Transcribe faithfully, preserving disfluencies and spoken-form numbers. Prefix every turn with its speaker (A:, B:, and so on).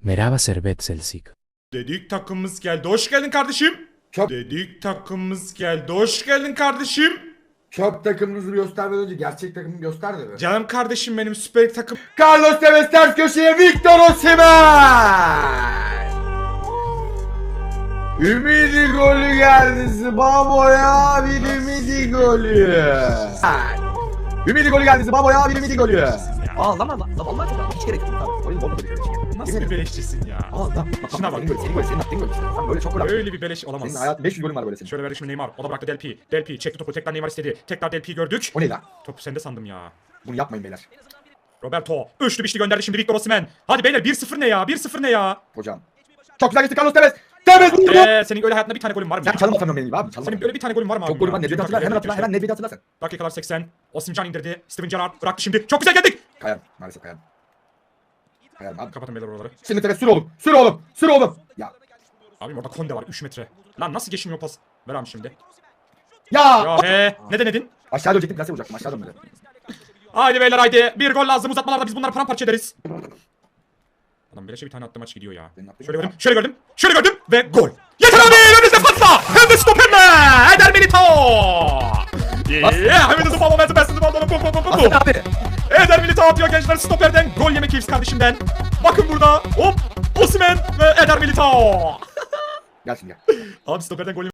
A: Merhaba Servet Selsik.
B: Dedik takımımız geldi. Hoş geldin kardeşim.
C: Çok-
B: Dedik takımımız geldi. Hoş geldin kardeşim.
C: Çöp takımınızı göstermeden önce gerçek takımı göster de be.
B: Canım kardeşim benim Süper Lig takım.
C: Carlos Tevez ters köşeye Victor Osimhen. Ümidi golü geldi Zibabo'ya bir ümidi golü. Ümidi golü geldi Zibabo'ya bir ümidi golü.
D: Aa lan lan lan vallahi çok hiç gerek yok. Tamam. Oyun olmadı bir şey.
B: Nasıl bir beleşçisin ya?
D: Aa lan.
B: Şuna bak.
D: Senin böyle senin böyle senin attığın böyle işte. Sen böyle çok gol attın.
B: Öyle bir beleş olamaz.
D: Senin hayatın beş yüz golün var böyle senin.
B: Şöyle verdik şimdi Neymar. O da bıraktı Del Pi. Del Pi çekti topu. Tekrar Neymar istedi. Tekrar Del Pi gördük.
D: O ne lan?
B: Topu sende sandım ya.
D: Bunu yapmayın beyler.
B: Roberto. Üçlü bir şey gönderdi şimdi Victor Osimhen. Hadi beyler bir sıfır ne ya? bir sıfır ne ya?
D: Hocam. Çok güzel geçti Carlos Tevez. Tevez vurdu.
B: Eee senin öyle hayatında bir tane golün var mı?
D: Sen
B: ya?
D: çalım atamıyorsun benim gibi abi. Çalım
B: Senin
D: atamıyorsun.
B: böyle bir tane golün var mı abi?
D: Çok golü
B: ya?
D: var. Nedved'i hatırla. Hemen hatırla. Hemen Nedved'i hatırla sen.
B: Dakikalar seksen. Osimhen indirdi. Steven Gerrard bıraktı şimdi. Çok güzel geldik.
D: Kayan. Maalesef kayan. Kayan abi.
B: Kapatın beyler oraları.
D: Şimdi Tevez sür oğlum. Sür oğlum. Sür oğlum. Ya.
B: Abi orada Konde var üç metre. Lan nasıl geçmiyor pas? Ver abi şimdi.
D: Ya.
B: Ya he. Ne denedin?
D: Aşağı dönecektim. Plase vuracaktım. Aşağı dön böyle.
B: Haydi beyler haydi. Bir gol lazım uzatmalarda biz bunları paramparça ederiz. Adam beleşe bir tane attı maç gidiyor ya.
D: Benim attığım
B: Şöyle
D: yok.
B: gördüm. Şöyle gördüm. Şöyle gördüm ve gol. Yeter abi önünüzde patla. Hem de stoperle. Eder Militao. Yeah. Hem de zıplam momentum. Ben zıplam momentum.
D: Aslan abi.
B: Eder Militao atıyor gençler stoperden. Gol yemek keyif kardeşimden. Bakın burada. Hop. Osimhen ve Eder Militao.
D: Gel şimdi gel.
B: Abi stoperden gol yemek.